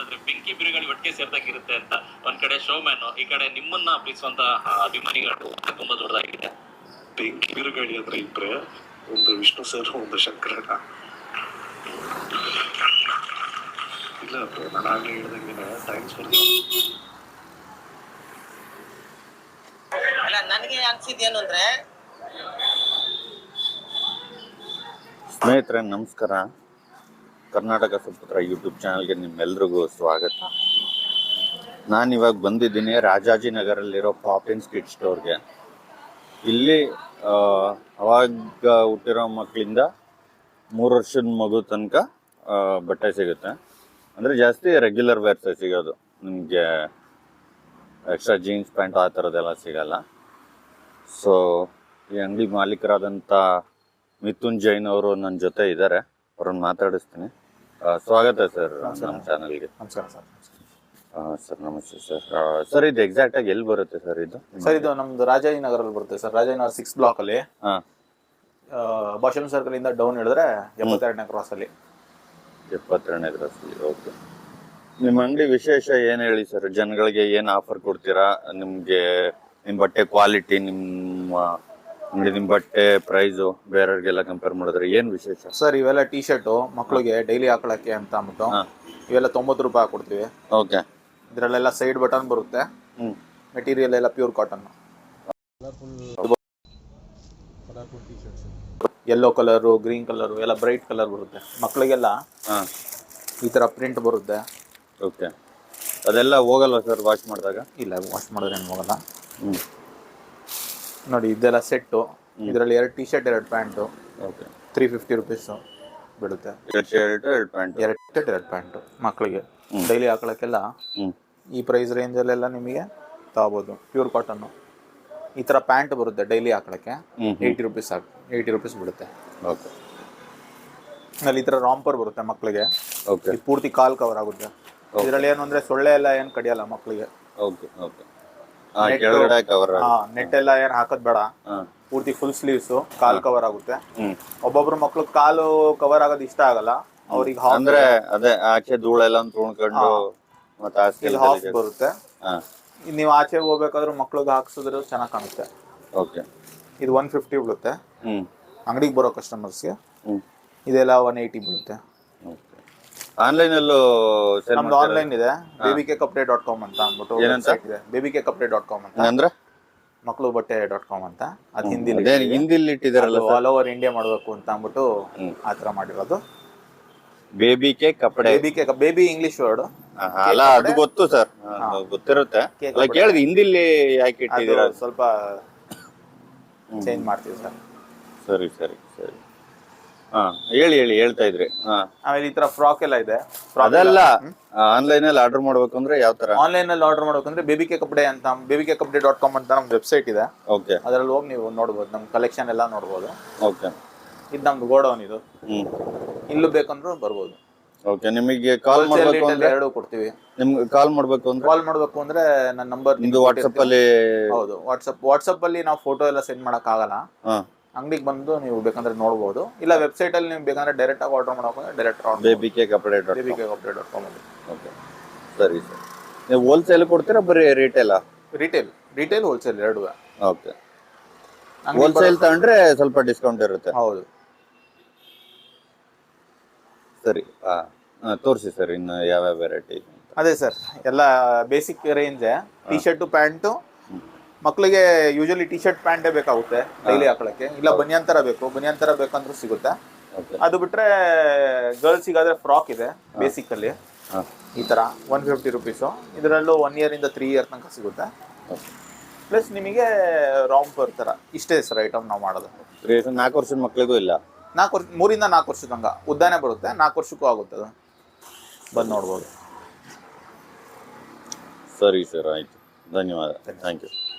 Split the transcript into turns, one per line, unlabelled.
ಹೇಳೋದಾದ್ರೆ ಬೆಂಕಿ ಬಿರುಗಾಳಿ ಒಟ್ಟಿಗೆ ಸೇರ್ದಾಗಿರುತ್ತೆ ಅಂತ. ಒಂದ್ ಕಡೆ ಶೋಮ್ಯಾನ್, ಈ ಕಡೆ ನಿಮ್ಮನ್ನ ಪ್ರೀತಿಸುವಂತ ಅಭಿಮಾನಿಗಳು ತುಂಬಾ ದೊಡ್ಡದಾಗಿದೆ.
ಬೆಂಕಿ ಬಿರುಗಾಳಿ ಅಂದ್ರೆ ಇಬ್ರೆ, ಒಂದು ವಿಷ್ಣು ಸರ್, ಒಂದು ಶಂಕರಣ್ಣ. ಇಲ್ಲ ಬ್ರೋ, ನಾನು ಆಗ್ಲೇ ಹೇಳ್ದಂಗೆ ಥ್ಯಾಂಕ್ಸ್ ಫಾರ್
ಅಲ್ಲ, ನನಗೆ ಅನ್ಸಿದ್ದೇನು ಅಂದ್ರೆ,
ಸ್ನೇಹಿತರೆ ನಮಸ್ಕಾರ. ಕರ್ನಾಟಕ ಸುಪುತ್ರ ಯೂಟ್ಯೂಬ್ ಚಾನಲ್ಗೆ ನಿಮ್ಮೆಲ್ರಿಗೂ ಸ್ವಾಗತ. ನಾನಿವಾಗ ಬಂದಿದ್ದೀನಿ ರಾಜಾಜಿನಗರಲ್ಲಿರೋ ಪಾಪಿನ್ಸ್ ಕಿಡ್ ಸ್ಟೋರ್ಗೆ. ಇಲ್ಲಿ ಅವಾಗ ಹುಟ್ಟಿರೋ ಮಕ್ಕಳಿಂದ 3 ವರ್ಷದ ಮಗು ತನಕ ಬಟ್ಟೆ ಸಿಗುತ್ತೆ. ಅಂದರೆ ಜಾಸ್ತಿ ರೆಗ್ಯುಲರ್ ವೇರ್ಸೇ ಸಿಗೋದು, ನಿಮಗೆ ಎಕ್ಸ್ಟ್ರಾ ಜೀನ್ಸ್ ಪ್ಯಾಂಟ್ ಆ ಥರದ್ದೆಲ್ಲ ಸಿಗಲ್ಲ. ಸೊ ಈ ಅಂಗಡಿ ಮಾಲೀಕರಾದಂಥ ಮಿಥುನ್ ಜೈನ್ ಅವರು ನನ್ನ ಜೊತೆ ಇದ್ದಾರೆ, ಅವ್ರನ್ನ ಮಾತಾಡಿಸ್ತೀನಿ. ಸ್ವಾಗತ ಸರ್ ನಮ್ಮ ಚಾನಲ್ಗೆ.
ನಮಸ್ಕಾರ ಸರ್.
ಸರ್ ನಮಸ್ತೆ ಸರ್. ಸರ್ ಇದು ಎಕ್ಸಾಕ್ಟ್ ಆಗಿ ಎಲ್ಲಿ ಬರುತ್ತೆ ಸರ್ ಇದು?
ಸರ್ ಇದು ನಮ್ದು ರಾಜಾಜಿನಗರಲ್ಲಿ ಬರುತ್ತೆ ಸರ್. ರಾಜಾಜಿನಗರ 6 ಬ್ಲಾಕ್ ಅಲ್ಲಿ ಭಾಷಣ ಸರ್ಕಲ್ ಇಂದ ಡೌನ್ ಹೇಳಿದ್ರೆ 72ನೇ ಕ್ರಾಸ್ ಅಲ್ಲಿ.
72ನೇ ಕ್ರಾಸ್ ಅಲ್ಲಿ. ಓಕೆ. ನಿಮ್ಮ ಅಂಗಡಿ ವಿಶೇಷ ಏನು ಹೇಳಿ ಸರ್? ಜನಗಳಿಗೆ ಏನು ಆಫರ್ ಕೊಡ್ತೀರಾ? ನಿಮಗೆ ನಿಮ್ಮ ಬಟ್ಟೆ ಕ್ವಾಲಿಟಿ, ನಿಮ್ಮ ಬಟ್ಟೆ ಪ್ರೈಸು ಬೇರೆಯವ್ರಿಗೆಲ್ಲ ಕಂಪೇರ್ ಮಾಡಿದ್ರೆ ಏನು ವಿಶೇಷ
ಸರ್? ಇವೆಲ್ಲ ಟಿ ಶರ್ಟು ಮಕ್ಕಳಿಗೆ ಡೈಲಿ ಹಾಕೊಳಕ್ಕೆ ಅಂತ ಅಂದ್ಬಿಟ್ಟು ಇವೆಲ್ಲ 90 ರೂಪಾಯಿ ಹಾಕೊಡ್ತೀವಿ.
ಓಕೆ.
ಇದರಲ್ಲೆಲ್ಲ ಸೈಡ್ ಬಟನ್ ಬರುತ್ತೆ. ಮೆಟೀರಿಯಲ್ ಎಲ್ಲ pure cotton. Yellow colour, green colour ಎಲ್ಲ ಬ್ರೈಟ್ ಕಲರ್ ಬರುತ್ತೆ. ಮಕ್ಕಳಿಗೆಲ್ಲ ಈ ತರ ಪ್ರಿಂಟ್ ಬರುತ್ತೆ.
ಓಕೆ. ಅದೆಲ್ಲ ಹೋಗಲ್ವಾ ಸರ್ ವಾಶ್ ಮಾಡಿದಾಗ?
ಇಲ್ಲ, ವಾಶ್ ಮಾಡಿದ್ರೆ ಏನು ಹೋಗಲ್ಲ. ನೋಡಿ ಇದೆಲ್ಲ ಸೆಟ್ಟು. ಇದರಲ್ಲಿ 2 T shirt 2 pant.
Okay.
350 rupees ಬೀಳುತ್ತೆ.
2 ಶರ್ಟ್ 2 ಪ್ಯಾಂಟ್.
2 ಶರ್ಟ್ 2 ಪ್ಯಾಂಟು ಮಕ್ಕಳಿಗೆ ಡೈಲಿ ಹಾಕೊಳಕ್ಕೆಲ್ಲ ಈ ಪ್ರೈಸ್ ರೇಂಜಲ್ಲೆಲ್ಲ ನಿಮಗೆ ತಗೋಬೋದು. Pure cotton. ಈ ಥರ ಪ್ಯಾಂಟ್ ಬರುತ್ತೆ ಡೈಲಿ ಹಾಕೊಳಕ್ಕೆ. 80 ರುಪೀಸ್ 80 ರುಪೀಸ್ ಬೀಳುತ್ತೆ.
ಓಕೆ.
ಆಮೇಲೆ ಈ ಥರ ರಾಂಪರ್ ಬರುತ್ತೆ ಮಕ್ಕಳಿಗೆ.
ಓಕೆ.
ಪೂರ್ತಿ ಕಾಲ್ ಕವರ್ ಆಗುತ್ತೆ. ಇದರಲ್ಲಿ ಏನು ಅಂದರೆ ಸೊಳ್ಳೆ ಎಲ್ಲ ಏನು ಕಡಿಯಲ್ಲ ಮಕ್ಕಳಿಗೆ.
ಓಕೆ. ಓಕೆ. ಕೆಳಗಡೆ ಕವರ್.
ನೆಟ್ ಎಲ್ಲ ಏನು ಹಾಕೋದ್ ಬೇಡ. ಪೂರ್ತಿ ಫುಲ್ ಸ್ಲೀವ್ಸ್, ಕಾಲ್ ಕವರ್ ಆಗುತ್ತೆ. ಒಬ್ಬೊಬ್ರು ಮಕ್ಳು ಕಾಲು ಕವರ್ ಆಗೋದು ಇಷ್ಟ ಆಗಲ್ಲ ಅವ್ರಿಗೆ.
ಅಂದ್ರೆ ಅದೇ ಆಚೆ ಧೂಳೆಲ್ಲ ತುಣ್ಕೊಂಡು ಮತ್ತೆ
ಹಾಫ್ ಬರುತ್ತೆ. ನೀವು ಆಚೆ ಹೋಗ್ಬೇಕಾದ್ರೂ ಮಕ್ಳಿಗೆ ಹಾಕ್ಸಿದ್ರೆ ಚೆನ್ನಾಗಿ ಕಾಣುತ್ತೆ.
ಓಕೆ.
ಇದು 150 ಬೀಳುತ್ತೆ ಅಂಗಡಿಗೆ ಬರೋ ಕಸ್ಟಮರ್ಸ್ಗೆ. ಇದೆಲ್ಲ 180 ಬೀಳುತ್ತೆ.
ಆನ್ಲೈನ್ ಅಲ್ಲೂ
ನಮ್ದು ಆನ್ಲೈನ್ ಇದೆ, babykcupday.com ಅಂತ ಅಂದ್ಬಿಟ್ಟು ವೆಬ್ಸೈಟ್ ಇದೆ. babykcupday.com ಅಂತ ಅಂದ್ರೆ ಮಕ್ಕಳು ಬಟ್ಟೆ.com ಅಂತ. ಅದು
ಹಿಂದಿಲಿ ಇಟ್ಟಿದಾರಲ್ಲ,
ಆಲ್ ಓವರ್ ಇಂಡಿಯಾ ಮಾಡಬೇಕು ಅಂತ ಅಂದ್ಬಿಟ್ಟು ಆ ತರ ಮಾಡಿರೋದು.
ಬೇಬಿಕೆ ಕಪಡೆ.
ಬೇಬಿ ಇಂಗ್ಲಿಷ್ ವರ್ಡ್
ಅಲ್ಲ, ಅದು ಗೊತ್ತು ಸರ್, ಗೊತ್ತಿರುತ್ತೆ. ಕೇಳಿದ್ ಹಿಂದಿಲಿ ಯಾಕೆ ಇಟ್ಟಿದ್ದೀರಾ?
ಸ್ವಲ್ಪ ಚೇಂಜ್ ಮಾಡ್ತೀವಿ ಸರ್.
ಸರಿ ಸರಿ ಸರಿ. ಹೇಳಿ ಹೇಳ್ತಾ ಇದ್ರಿ.
ಆಮೇಲೆ ಈ ತರ ಫ್ರಾಕ್ ಎಲ್ಲ ಇದೆ.
ಅದೆಲ್ಲ ಆನ್ಲೈನ್ ಅಲ್ಲಿ ಆರ್ಡರ್ ಮಾಡ್ಬೇಕು ಅಂದ್ರೆ ಯಾವ ತರ?
ಆನ್ಲೈನ್ ಅಲ್ಲಿ ಆರ್ಡರ್ ಮಾಡ್ಬೇಕಂದ್ರೆ babykcupday ಅಂತ babykcupday.com ಅಂತ ನಮ್ ವೆಬ್ಸೈಟ್ ಇದೆ.
ಓಕೆ.
ಅದ್ರಲ್ಲಿ ಹೋಗಿ ನೀವು ನೋಡ್ಬೋದು, ನಮ್ ಕಲೆಕ್ಷನ್ ಎಲ್ಲ ನೋಡ್ಬೋದು.
ಓಕೆ.
ಇದು ನಮ್ದು ಗೋಡೌನ್ ಇದು. ಇಲ್ಲೂ ಬೇಕಂದ್ರೂ ಬರ್ಬೋದು.
ಓಕೆ. ನಿಮಗೆ ಕಾಲ್ ಮಾಡಬೇಕು ಅಂದ್ರೆ
ಎರಡು ಕೊಡ್ತೀವಿ.
ನಿಮ್ಗೆ ಕಾಲ್ ಮಾಡಬೇಕು
ಅಂದ್ರೆ ನನ್ನ ನಂಬರ್
ನಿಮ್ದು ವಾಟ್ಸ್ಆಪ್ ಅಲ್ಲಿ.
ಹೌದು, ವಾಟ್ಸ್ಆಪ್ ಅಲ್ಲಿ ನಾವು ಫೋಟೋ ಎಲ್ಲ ಸೆಂಡ್ ಮಾಡಕ್ ಆಗಲ್ಲ. ಅಂಗಡಿಗೆ ಬಂದು ನೀವು ಬೇಕಂದ್ರೆ ನೋಡ್ಬೋದು. ಇಲ್ಲ ವೆಬ್ಸೈಟ್ ಅಲ್ಲಿ ನೀವು ಬೇಕಂದ್ರೆ ಡೈರೆಕ್ಟ್ ಆಗಿ ಆರ್ಡರ್ ಮಾಡೋಕೆ ಡೈರೆಕ್ಟ್
babykcupday.com. ಓಕೆ. ಸರಿ ಸರ್. ನೀವು ಹೋಲ್ಸೇಲ್ ಕೊಡ್ತೀರಾ ಬರೀ ರಿಟೇಲ್?
ರಿಟೇಲ್ ಹೋಲ್ಸೇಲ್ ಎರಡು.
ಓಕೆ. ಹೋಲ್ಸೇಲ್ ತಗೊಂಡ್ರೆ ಸ್ವಲ್ಪ ಡಿಸ್ಕೌಂಟ್ ಇರುತ್ತೆ.
ಹೌದು.
ಸರಿ. ತೋರಿಸಿ ಸರ್ ಇನ್ನು ಯಾವ್ಯಾವ ವೆರೈಟಿ.
ಅದೇ ಸರ್, ಎಲ್ಲ basic range. T shirt pant ಮಕ್ಕಳಿಗೆ ಯೂಶಲಿ ಟಿ ಶರ್ಟ್ ಪ್ಯಾಂಟೇ ಬೇಕಾಗುತ್ತೆ ಡೈಲಿ ಹಾಕೊಳಕ್ಕೆ. ಇಲ್ಲ ಬನಿಯನ್ ತರ ಬೇಕಂದ್ರೂ ಸಿಗುತ್ತೆ. ಅದು ಬಿಟ್ರೆ ಗರ್ಲ್ಸಿಗಾದ್ರೆ ಫ್ರಾಕ್ ಇದೆ ಬೇಸಿಕ್ ಅಲ್ಲಿ. ಈ ತರ 150 ರುಪೀಸು. ಇದರಲ್ಲೂ 1 year ಇಂದ 3 year ತನಕ ಸಿಗುತ್ತೆ. ಪ್ಲಸ್ ನಿಮಗೆ ರಾಂಪರ್ ತರ. ಇಷ್ಟೇ ಸರ್ ಐಟಮ್ ನಾವು ಮಾಡೋದು.
4 ವರ್ಷದ ಮಕ್ಕಳಿಗೂ ಇಲ್ಲ?
3 ಇಂದ 4 ವರ್ಷದ ತನಕ ಉದ್ದಾನೆ ಬರುತ್ತೆ. 4 ವರ್ಷಕ್ಕೂ ಆಗುತ್ತೆ. ಅದು ಬಂದು ನೋಡ್ಬೋದು.
ಸರಿ ಸರ್, ಆಯ್ತು. ಧನ್ಯವಾದ. Thank you.